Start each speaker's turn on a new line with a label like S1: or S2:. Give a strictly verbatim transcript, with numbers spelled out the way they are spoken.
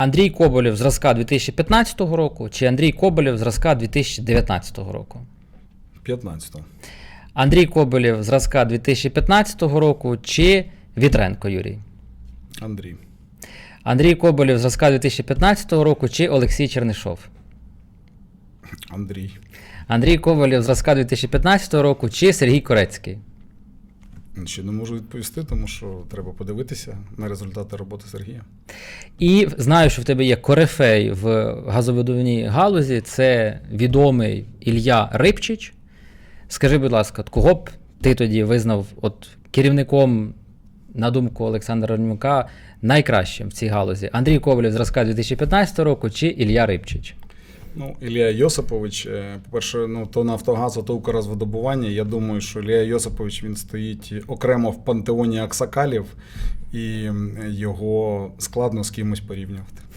S1: Андрій Коболєв зразка дві тисячі п'ятнадцятого року чи Андрій Коболєв зразка дві тисячі дев'ятнадцятого року?
S2: п'ятнадцятого.
S1: Андрій Коболєв зразка дві тисячі п'ятнадцятого року чи Вітренко Юрій?
S2: Андрій.
S1: Андрій Коболєв зразка дві тисячі п'ятнадцятого року чи Олексій Чернишов?
S2: Андрій.
S1: Андрій Коболєв зразка дві тисячі п'ятнадцятого року чи Сергій Корецький?
S2: Ще не можу відповісти, тому що треба подивитися на результати роботи Сергія.
S1: І знаю, що в тебе є корифей в газовидобувній галузі, це відомий Ілля Рибчич. Скажи, будь ласка, кого б ти тоді визнав от керівником, на думку Олександра Романюка, найкращим в цій галузі? Андрій Коболєв зразка дві тисячі п'ятнадцятого року чи Ілля Рибчич?
S2: Ну, Ілля Йосипович, по-перше, ну, то Нафтогазу, то Укргазвидобування. Я думаю, що Ілля Йосипович, він стоїть окремо в пантеоні аксакалів, і його складно з кимось порівнювати.